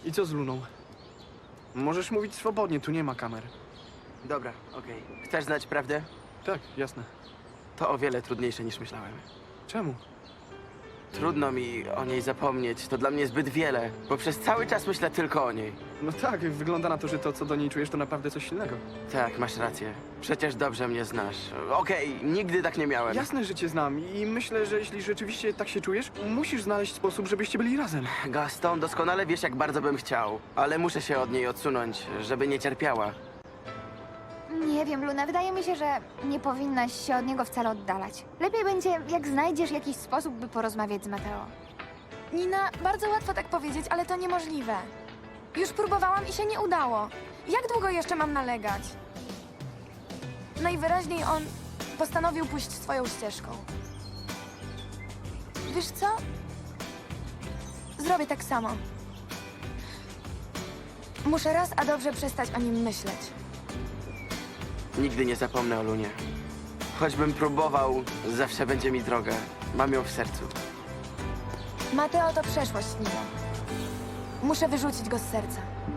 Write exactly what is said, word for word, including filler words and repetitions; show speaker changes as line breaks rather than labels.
I co z Luną? Możesz mówić swobodnie, tu nie ma kamer.
Dobra, okej. Chcesz znać prawdę?
Tak, jasne.
To o wiele trudniejsze niż myślałem.
Czemu?
Trudno mi o niej zapomnieć. To dla mnie zbyt wiele, bo przez cały czas myślę tylko o niej.
No tak, wygląda na to, że to, co do niej czujesz, to naprawdę coś silnego.
Tak, masz rację. Przecież dobrze mnie znasz. Okej, nigdy tak nie miałem.
Jasne, że cię znam i myślę, że jeśli rzeczywiście tak się czujesz, musisz znaleźć sposób, żebyście byli razem.
Gaston, doskonale wiesz, jak bardzo bym chciał, ale muszę się od niej odsunąć, żeby nie cierpiała.
Nie wiem, Luna, wydaje mi się, że nie powinnaś się od niego wcale oddalać. Lepiej będzie, jak znajdziesz jakiś sposób, by porozmawiać z Mateo.
Nina, bardzo łatwo tak powiedzieć, ale to niemożliwe. Już próbowałam i się nie udało. Jak długo jeszcze mam nalegać? Najwyraźniej on postanowił pójść swoją ścieżką. Wiesz co? Zrobię tak samo. Muszę raz a dobrze przestać o nim myśleć.
Nigdy nie zapomnę o Lunie. Choćbym próbował, zawsze będzie mi droga. Mam ją w sercu.
Mateo to przeszłość, Nina. Muszę wyrzucić go z serca.